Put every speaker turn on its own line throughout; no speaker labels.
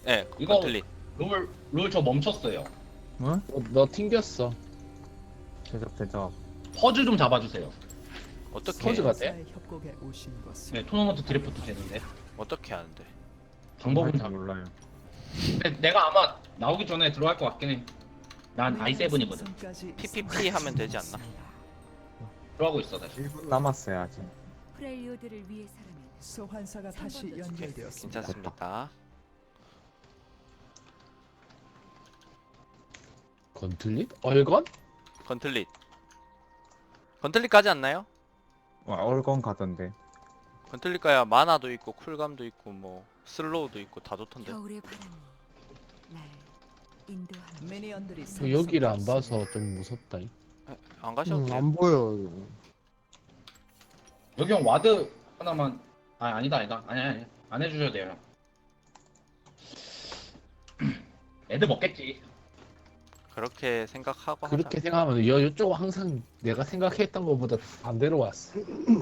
네,
이거-
건틀릿.
롤 저 멈췄어요.
응?
너 튕겼어.
대접.
퍼즐 좀 잡아주세요.
어떻게
서즈가 돼?
협곡에 오신 것을
네, 토너먼트 드래프트 되는데
어떻게 하는데?
방법은
잘
잘
몰라요.
근데 내가 아마 나오기 전에 들어갈 것 같긴 해. 난 i7이거든.
PPP 하면 되지 않나?
들어가고 있어 다시.
1분 남았어요 아직.
프렐리오드를 위해서라면
소환사가 다시 연결되었습니다.
괜찮습니다.
건틀릿? 얼건?
건틀릿. 건틀릿 가지 않나요?
와 얼건 가던데.
건틀릿 가야 마나도 있고 쿨감도 있고 뭐 슬로우도 있고 다 좋던데.
겨울의 바람이 날 인도합니다.
미니언들이
저 여기를 안 봐서 좀 무섭다.
안 가셔도 돼요.
안 보여.
여기 형 와드 하나만. 아니다. 아니 안 해주셔도 돼요. 애들 먹겠지.
그렇게 생각하고
그렇게
하자.
생각하면 이쪽은 항상 내가 생각했던 것보다 반대로 왔어.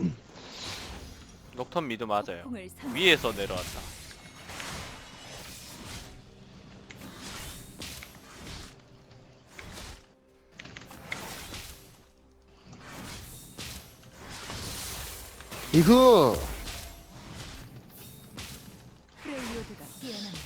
녹턴 미드 맞아요.
폭풍을 선-
위에서 내려왔다.
이거
프렐리오드가 깨어납니다.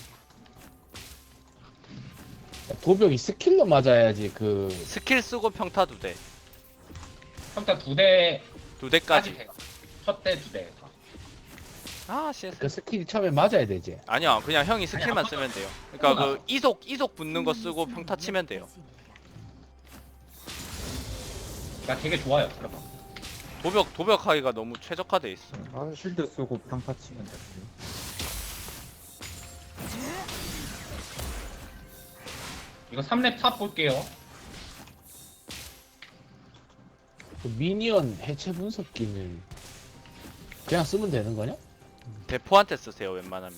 도벽이 스킬로 맞아야지 그
스킬 쓰고 평타도 돼.
일단 2대까지
두 대까지.
돼. 첫대 2대 다.
아, CS.
그 스킬이 처음에 맞아야 되지.
아니야, 그냥 형이 스킬만
아니,
쓰면 돼요. 그러니까
아무나.
그 이속 붙는 거 쓰고 평타 치면 돼요.
나 되게 좋아요. 그럼.
도벽하기가 너무 최적화돼 있어.
아 쉴드 쓰고 평타 치면 돼.
이거 3렙 탑 볼게요.
그 미니언 해체 분석기는 그냥 쓰면 되는 거냐?
대포한테 쓰세요, 웬만하면.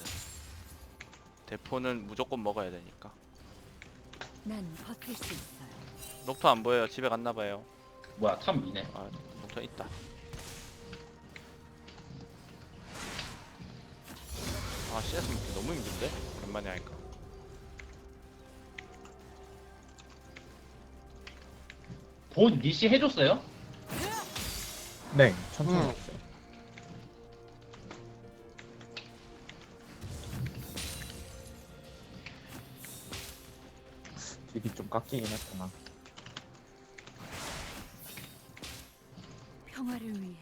대포는 무조건 먹어야 되니까.
난 버틸 수 있어요.
녹턴 안 보여요. 집에 갔나 봐요.
뭐야 탑 미네.
아, 녹턴 있다. 아, CS 먹기 너무 힘든데? 오랜만에 하니까.
본 리시 해줬어요?
네 천천히
응.
했어요. 딜이 좀 깎이긴 했구나.
평화를 위해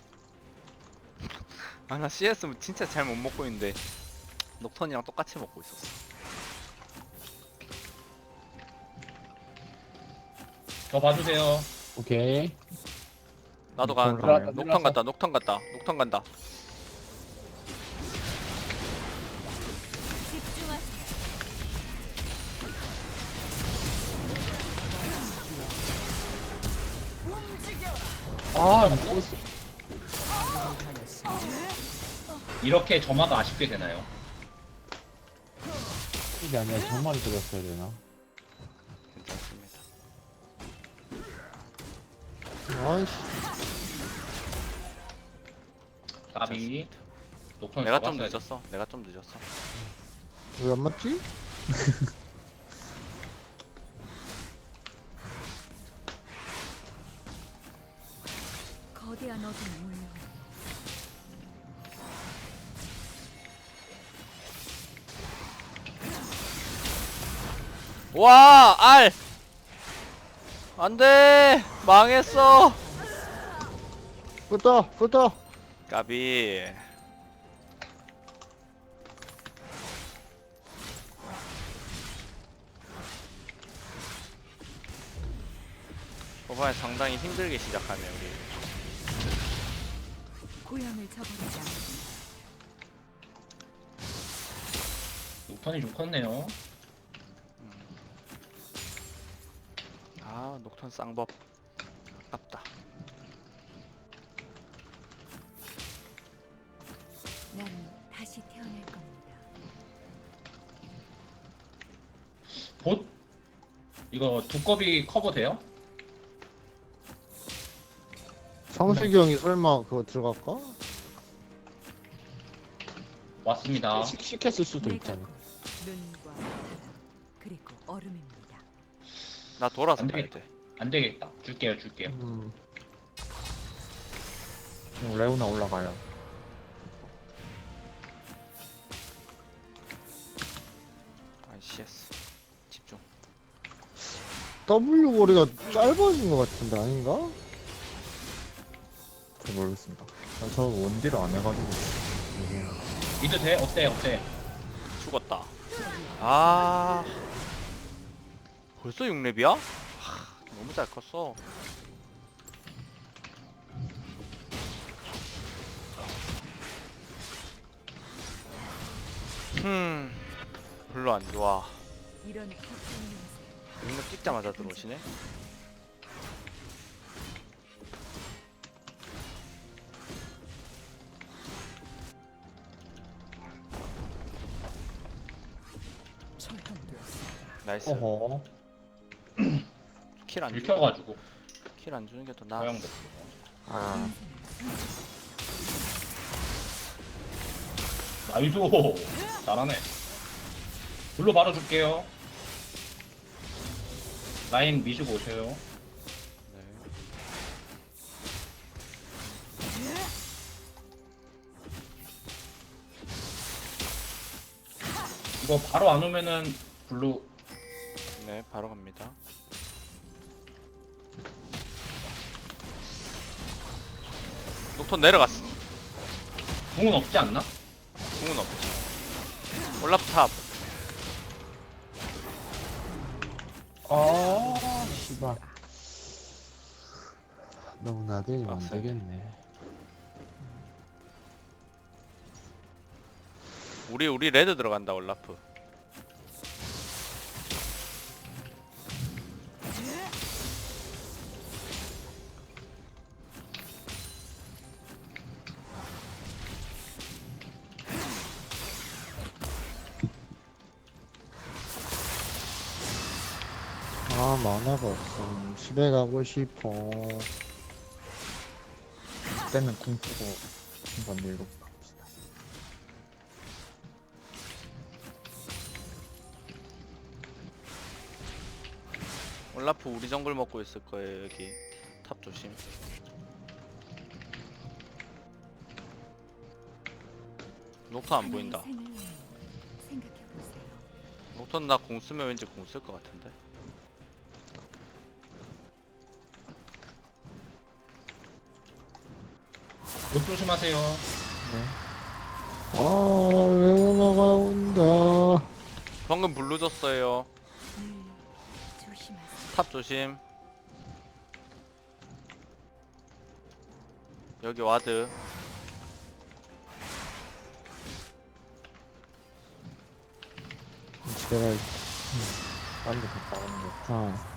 아, 나 CS 진짜 잘 못 먹고 있는데 녹턴이랑 똑같이 먹고 있었어.
저 봐주세요.
오케이.
나도
녹턴
가는데.
가나요?
녹턴 간다. 녹턴 간다.
집중하세요.
아, 미쳤어.
이렇게 점화가 아쉽게 되나요?
이게 아니라 정말 들었어야 되나?
괜찮습니다.
아이씨.
까비. 녹턴
내가 좀
잡았어야지.
늦었어. 내가 좀 늦었어.
왜 안 맞지?
거대한 어둠이 몰려
와, 알! 안 돼! 망했어!
붙어.
까비. 초반에 상당히 힘들게 시작하네, 우리.
고향을 저버리지 않습니다.
녹턴이 좀 컸네요.
아, 녹턴 쌍법. 아깝다.
난 다시 태어날 겁니다.
봇 이거 두꺼비 커버 돼요?
성식이 형이 설마 그거 들어갈까?
왔습니다.
시켰을 수도 있잖아.
눈과 바람, 그리고 얼음입니다.
나 돌아서
안
가야
되겠다.
돼.
안 되겠다. 줄게요.
레오나 올라가요.
CS 집중.
W 거리가 짧아진 것 같은데 아닌가?
잘 모르겠습니다. 저 원딜을 안 해가지고.
미드 돼? 어때?
죽었다. 아 벌써 6렙이야? 너무 잘 컸어. 별로 안 좋아.
이런 고통의
6렙 찍자마자 들어오시네.
처형되었습니다.
나이스.
어허.
킬 안 주는
읽혀가지고
킬안 주는 게 더 나아.
허용됐어.
아,
나이스. 잘하네. 불로 바로 줄게요. 라인 미시고 오세요.
네.
이거 바로 안 오면은 블루
네, 바로 갑니다. 녹턴 내려갔어.
궁은 없지 않나?
궁은 없지. 올라프 탑.
아, 씨발. 너무 나대면 안
빡세네.
되겠네.
우리 레드 들어간다 올라프.
아 만화가 없어. 집에 가고 싶어.
그때는 궁 쓰고 한번 밀고 갑시다.
올라프 우리 정글 먹고 있을 거예요 여기. 탑 조심. 녹턴 안 보인다.
생각해보세요.
녹턴 나 공 쓰면 왠지 공 쓸 것 같은데.
못 조심하세요.
아 레오나가 온다.
방금 블루 줬어요.
늘 조심하세요.
탑 조심. 여기 와드.
집에 가.
빨리 갔다 오는 게.
아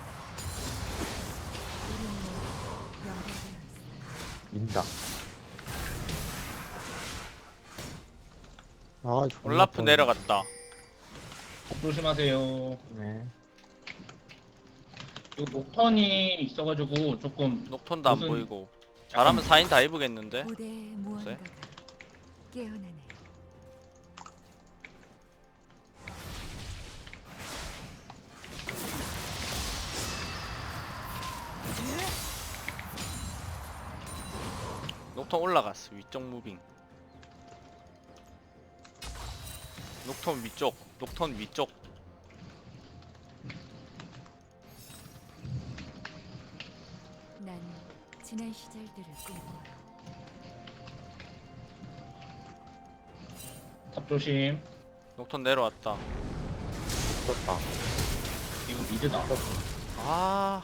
우리는 연결되어 있습니다.
민다.
아, 존나
올라프
뻔해.
내려갔다.
조심하세요.
네.
이 녹턴이 있어가지고 조금
녹턴도 안
무슨-
보이고. 잘하면 4인 다 입으겠는데?
무대에 무언가가 깨어나네요.
녹턴 올라갔어. 위쪽 무빙. 녹턴 위쪽. 녹턴 위쪽.
난 지난 시절들을 꿈꿔요.
탑 조심.
녹턴 내려왔다.
떴다.
이거 미드다.
아.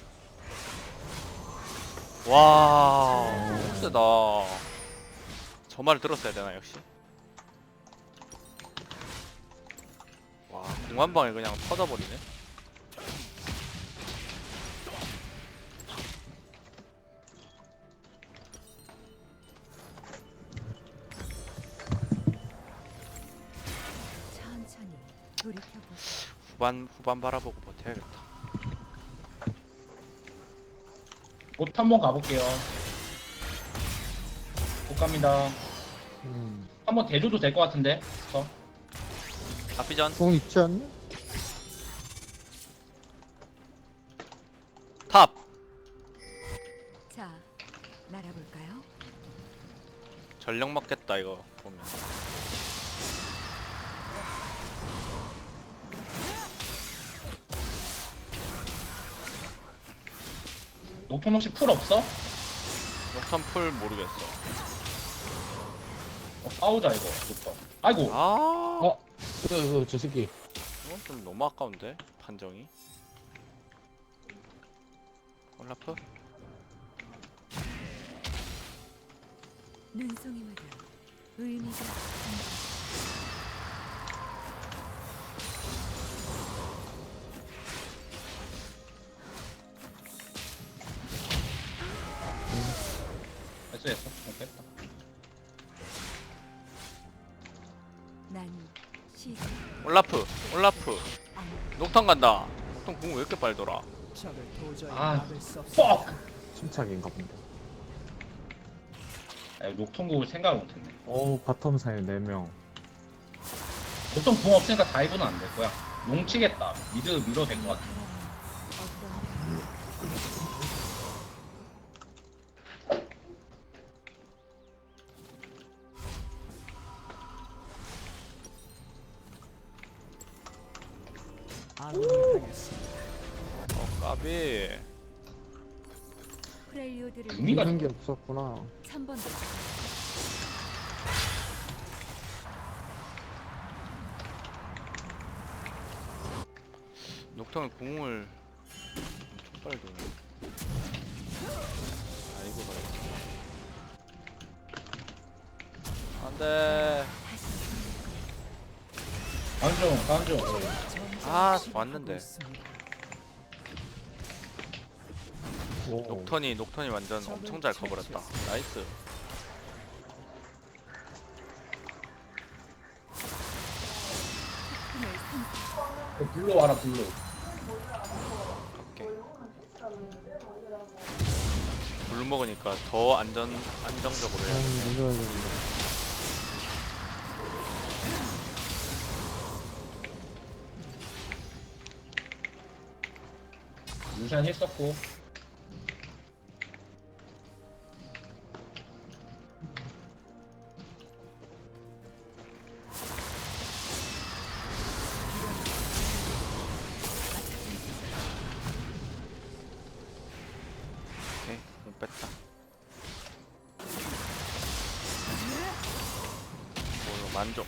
와. 너무 세다. 저 말을 들었어야 되나 역시. 와, 공한방에 그냥 터져버리네.
천천히 돌이켜보세요.
후반 바라보고 버텨야겠다.
옷 한번 가볼게요. 못 갑니다.
음.
한번 대줘도 될 것 같은데.
앞비전
공 있지 않냐?
탑.
자, 날아볼까요?
전력 먹겠다 이거 보면.
녹턴 혹시 풀 없어?
녹턴 풀 모르겠어.
싸우자 이거 녹턴. 아이고.
아,
저 새끼.
이건 좀 너무 아까운데 판정이. 올라프?
눈송이마다 의미가 있습니다.
됐어. 됐다.
난 시작
올라프.
안
녹턴 간다. 녹턴 궁 왜 이렇게 빨리 돌아?
적을 도저히
아,
막을 수 없습니다.
뻑!
침착인가 본데.
아, 녹턴국을 생각을 못했네.
어우, 바텀 사이 4명.
녹턴 궁 없으니까 다이브는 안 될 거야. 용치겠다. 미드 밀어도 될 것 같아.
어떤
아군이 당했습니다.
까비.
프렐리오드를
의미가
이런 게 없었구나.
3번도
녹턴은 궁을 엄청 빨리 도네. 아이고 말이야. 안돼.
가운중.
아 왔는데.
오,
녹턴이 완전 엄청 잘 커버렸다. 나이스.
불러 와라 불러.
오케이. 물 먹으니까 더 안정적으로 해야 돼.
이거 되는데.
루시안 했었고.
오케이, 못 뺐다. 오, 만족.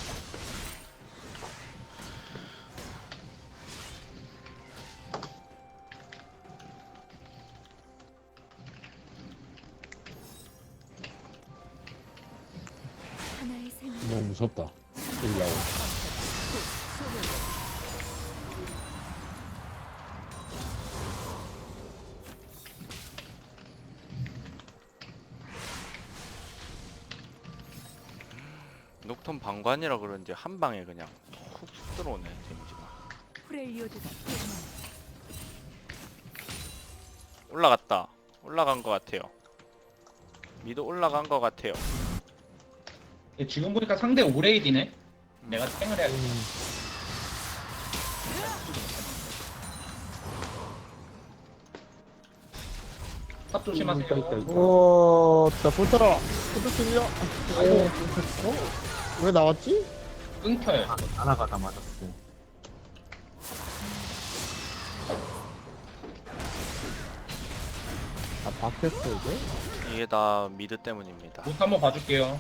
하나의 생명
너무 무섭다. 여기라고.
녹턴 방관이라 그런지 한 방에 그냥 훅 들어오네 데미지가.
프렐리오드가 깨어난다.
올라갔다. 올라간 것 같아요. 미드 올라간 것 같아요.
지금 보니까 상대 오레이디네. 내가 탱을 해야겠다. 탑 조심하세요.
오, 나 볼타라. 포토스냐? 왜 나왔지?
끊겨요.
하나가 다 맞았어.
아, 바뀌었어, 이게?
이게 다 미드 때문입니다.
못 한번 봐줄게요.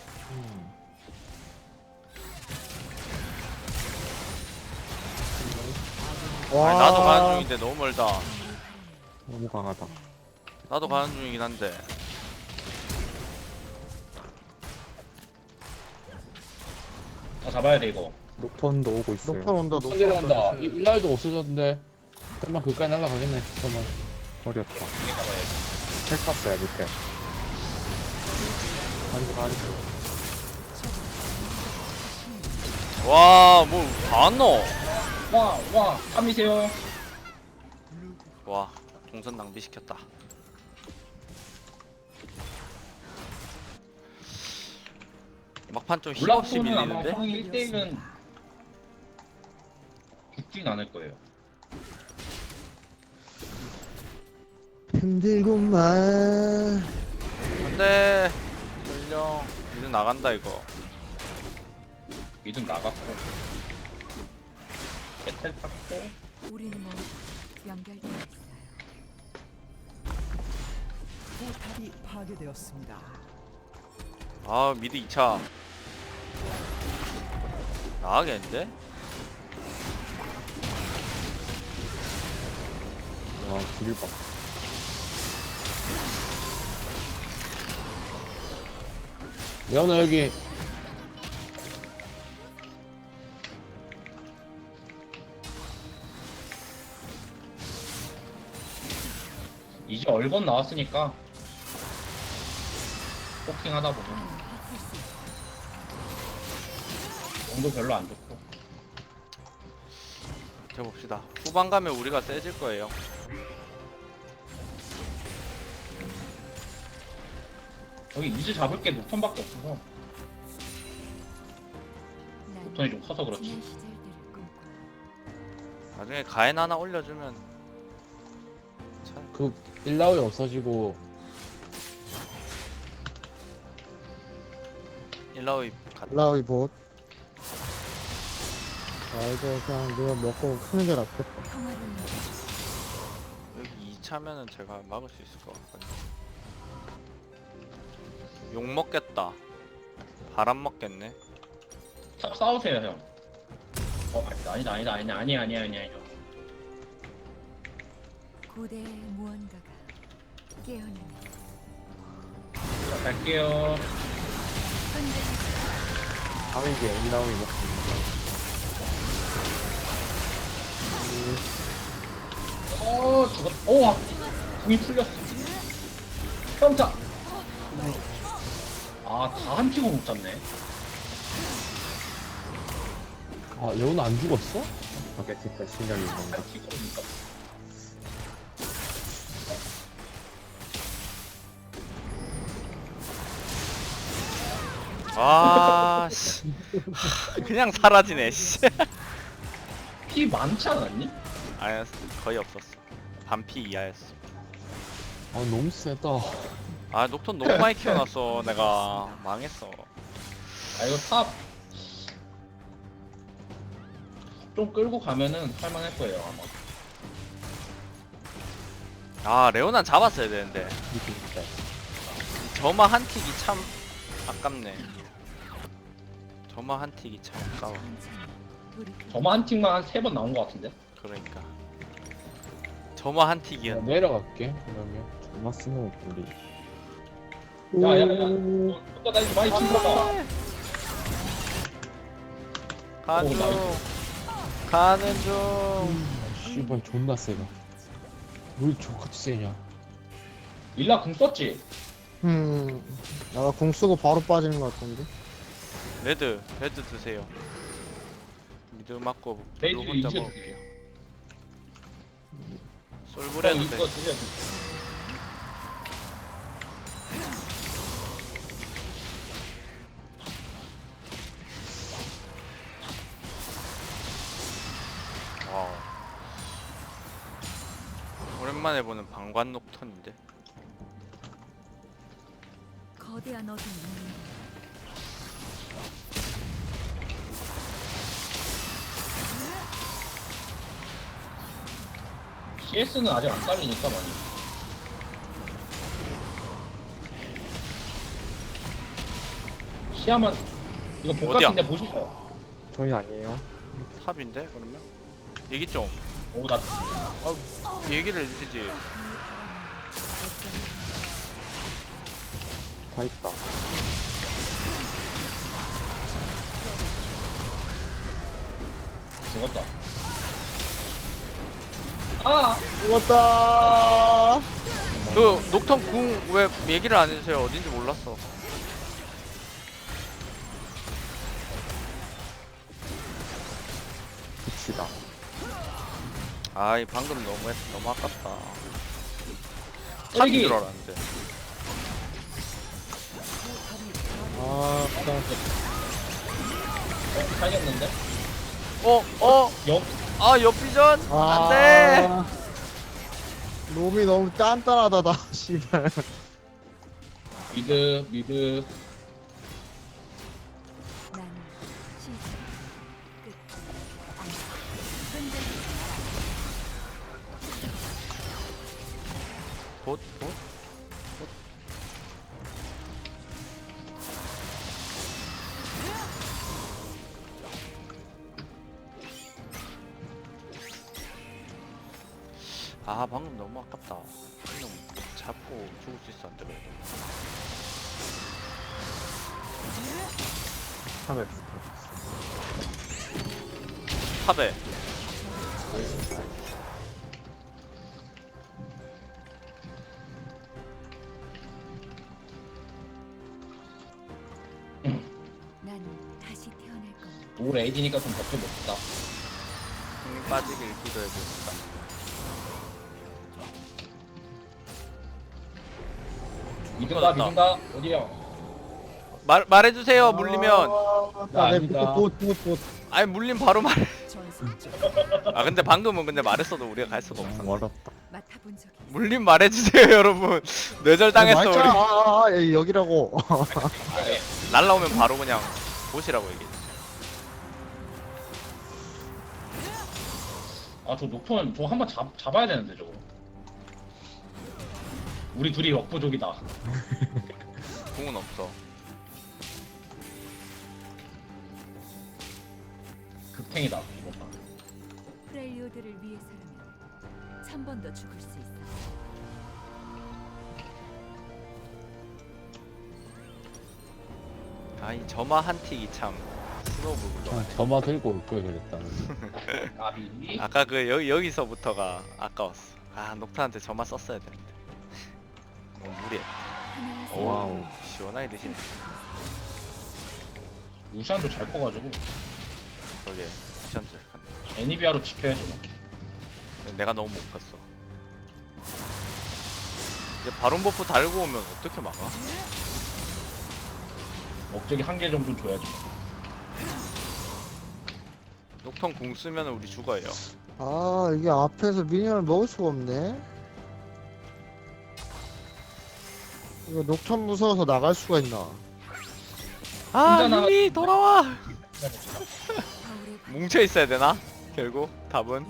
아니, 나도 가는 중인데 너무 멀다.
너무 강하다.
나도 가는 중이긴 한데.
잡아야 돼 이거.
녹턴도 오고 있어요.
녹턴 온다, 녹턴
내려간다.
온다.
일라이도 없어졌는데. 설마 그까지 날라가겠네. 잠깐만.
버렸다.
이게 잡아야지.
헬 탔어요, 밑에.
와, 뭐, 다 넣어.
와, 탐이세요.
와, 동선 낭비시켰다. 막판 좀 힘없이
올라프는 아마
밀리는데?
형이 1대1은 죽진 않을 거예요.
힘들구만.
안돼. 전령 이제 나간다 이거.
미든 나갔고 배틀 탔고
우리는 뭐 연결되어 있어요.
포탑이 파괴되었습니다.
아 미드 2차 나가겠는데?
와 길을 봐.
레오나 여기.
이제 얼건 나왔으니까 포킹 하다 보면 정도 별로 안 좋고
해봅시다. 후반 가면 우리가 세질 거예요.
여기 이즈 잡을 게 녹턴밖에 없어서
난
녹턴이 좀 커서 그렇지.
지난 시절들을 꿈꿔.
나중에 가엔 하나 올려주면 참
그 일라오이 없어지고
일라오이 갔다.
라우이 봇. 아 이거 그냥 누가 먹고 크는 게 낫겠다.
평화를 위해
여기 2차면은 제가 막을 수 있을 것 같거든요. 욕 먹겠다. 바람 먹겠네.
탑 싸우세요 형. 아니다.
고대의 무언가가 깨어나는
자, 갈게요.
다음 이게 엔다운이 먹습니다.
죽었. 오, 궁이 풀렸어. 깜짝. 다 한 피고 못 잡네.
아 레오나 안 죽었어?
밖에 진짜 신경이 뭔가.
한 피고 못 잡.
아 씨. 그냥 사라지네 씨.
피 많지 않았니?
아니 거의 없었어. 반피 이하였어.
아 너무 세다.
아 녹턴 너무 많이 키워놨어. 내가 망했어.
아 이거 탑. 좀 끌고 가면은 할만할 거예요 아마.
아 레오난 잡았어야 되는데.
이게 진짜.
저마 한 틱이 참 아깝네. 저마 한 틱이 참 아까워.
천천히 돌이켜.
저만 한 팀만 한 3번 나온 것 같은데?
그러니까 저마 한
내가
틱이었네.
내려갈게 그러면.
정말 쓰는 우리.
야야야 너 나 이거 많이 친거다.
가는
오,
중. 가는 중.
씨발 존나 세다. 왜 저같이 세냐?
일라 궁 썼지?
내가 궁 쓰고 바로 빠지는 것 같던데.
레드 드세요. 미드 맞고
레드
블루 혼자
이제
먹을게요.
형
솔브레드
이거
돼.
드려.
와우. 오랜만에 보는 방관 녹턴인데.
거대한 어둠이 있는
CS는 아직 안 깔리니까 많이. 시야만 이거 복
어디야?
같은데 보실까요?
저희 아니에요.
탑인데 그러면? 얘기 좀.
오, 나
얘기를 해주지.
다 있다.
죽었다. 아!
죽었다.
그 녹턴 궁 왜 얘기를 안 해주세요? 어딘지 몰랐어.
붙이다.
아이 방금 너무 아깝다.
여기.
탑인 줄 알았는데.
아
살겠는데?
어? 아 옆비전? 안돼.
놈이 너무 딴딴하다 나 씨발.
미드.
나는 시작 끝 흔들리지
봇? 아 방금 너무 아깝다. 그냥 잡고 죽을 수 있었는데 그래도.
탑에
탑에
나는 다시 태어날 겁니다.
올 에이디니까 좀 버텨봅시다.
힘 빠지길 기도해봅시다.
미든가 어디요?
말해주세요. 물리면.
아닙니다.
봇.
아니 물림 바로 말해.
전설적
아 근데 방금은 근데 말했어도 우리가 갈 수가 없어.
어렵다.
맡아본 적이 있어.
물림 말해주세요 여러분. 뇌절 당했어 우리.
여기라고.
날라오면 바로 그냥 보시라고 얘기해.
아저 녹턴 저거 한번 잡아야 되는데 저거. 우리 둘이 역부족이다.
궁은 없어.
극탱이다 이거 봐.
프렐리오드를 위해서라면 1000번 더 죽을 수 있어.
아이 점화 한 틱이 참 스노우볼로.
그냥 점화 들고 올 걸 그랬다.
나비.
아까 그 여기서부터가 아까웠어. 아 녹타한테 점화 썼어야 되는데. 너무 무리했다.
하나의
와우 시원하게 드시네.
루시안도 잘 커가지고
저게 미션즈.
애니비아로 지켜야지 뭐.
내가 너무 못 갔어. 이제 바론 버프 달고 오면 어떻게 막아?
목적이 한 개 정도 줘야지.
녹턴 궁 쓰면 우리 죽어요.
아 이게 앞에서 미니언을 먹을 수가 없네. 이거 녹턴 무서워서 나갈 수가 있나?
아
혼자
유미 돌아와.
거울에
뭉쳐 있어야 되나? 결국 답은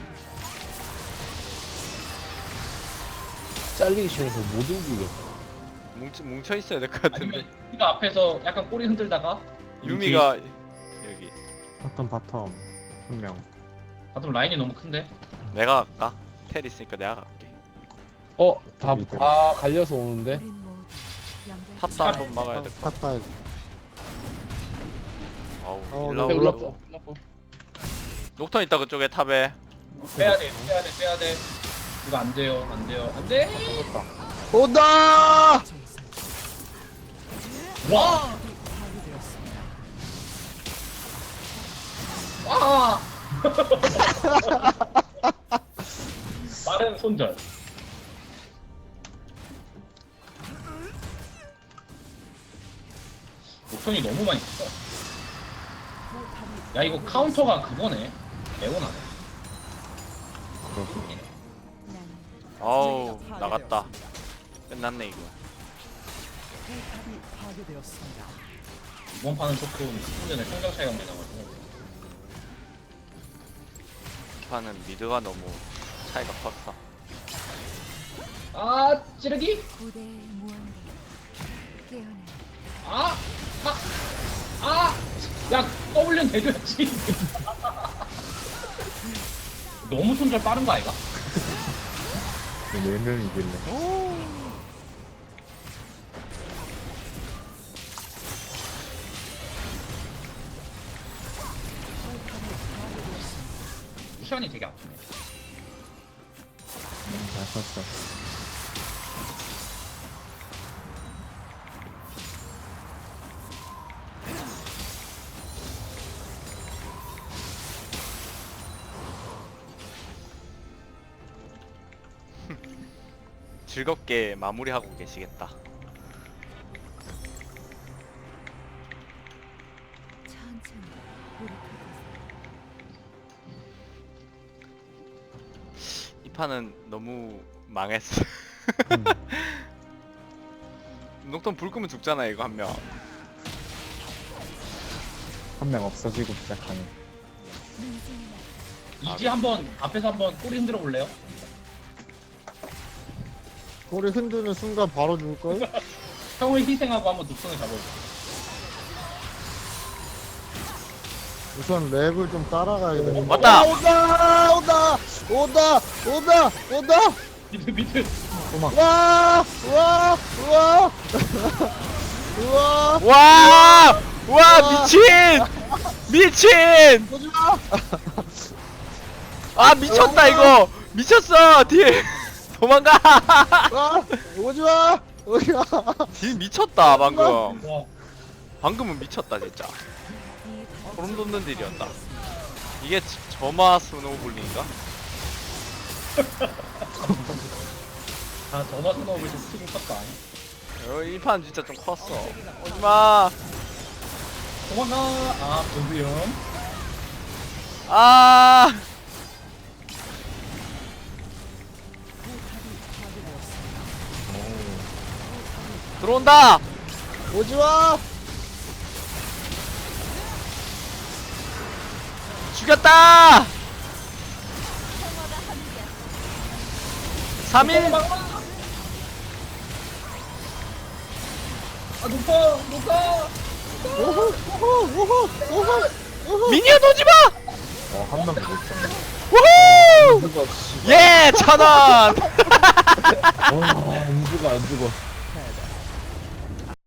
잘리기 싫어서 못 움직여.
뭉쳐 있어야 될 것 같은데.
아니면 우리가 앞에서 약간 꼬리 흔들다가
유미가 여기.
바텀 한 명.
바텀 라인이 너무 큰데.
내가 갈까? 텔 있으니까 내가 갈게.
다 갈려서 오는데.
우린 모두 연결.
탑도 한번 막아야 될 것 같아.
탔다.
아우
네,
일라우. 녹턴 있다 그쪽에 탑에.
빼야 돼. 이거 안 돼요. 안 돼.
온다.
전설적
와.
파괴되었습니다.
와. 빠른 손절. 목선이 너무 많이 컸어. 야 이거 카운터가 그거네. 레오나네.
나는
아우 나갔다. 끝났네 이거.
포탑이 파괴되었습니다.
이번 판은 조금 수준의 성장 차이가 많이 나가지고.
이 판은 미드가 너무 차이가 컸어.
아 찌르기.
고대의 무언가 깨어나.
야 W는 대줘야지. 너무 손절 빠른 거 아이가?
4명 이길래.
루시안이 되게 아프네.
잘 썼어.
즐겁게 마무리하고 계시겠다. 판은 너무 망했어. 녹턴 불 끄면 죽잖아 이거 한 명.
한 명 없어지고 시작하는.
이지 한번 앞에서 한번 꼬리 흔들어 볼래요?
꼬리 흔드는 순간 바로 죽을걸?
형을 희생하고 한번 늑성을 잡아줘.
우선 랩을 좀 따라가야 돼.
왔다!
온다! 온다! 온다! 온다! 온다!
미드.
와! 와! 와! 우와!
와! 와 미친! 미친!
오지마!
아 미쳤다 이거! 미쳤어 딜! 도망가!
와! 오지마! 오지마!
딜 미쳤다 방금.
와.
방금은 미쳤다 진짜. 소름 돋는 딜이었다. 이게 점화 스노우볼링인가?
아 전화 스노우를 좀 치고 컸다.
이 판 진짜 좀 컸어. 오지마!
도망가. 아 조수영.
아! 들어온다!
오지마!
죽였다! 3일!
아 높아.
오호! 오호! 오호! 오호!
미니언 오지마!
한 명도 못 잡네.
우후!
누가 씨.
예! 1000원!
와, 안 죽어 안 죽어.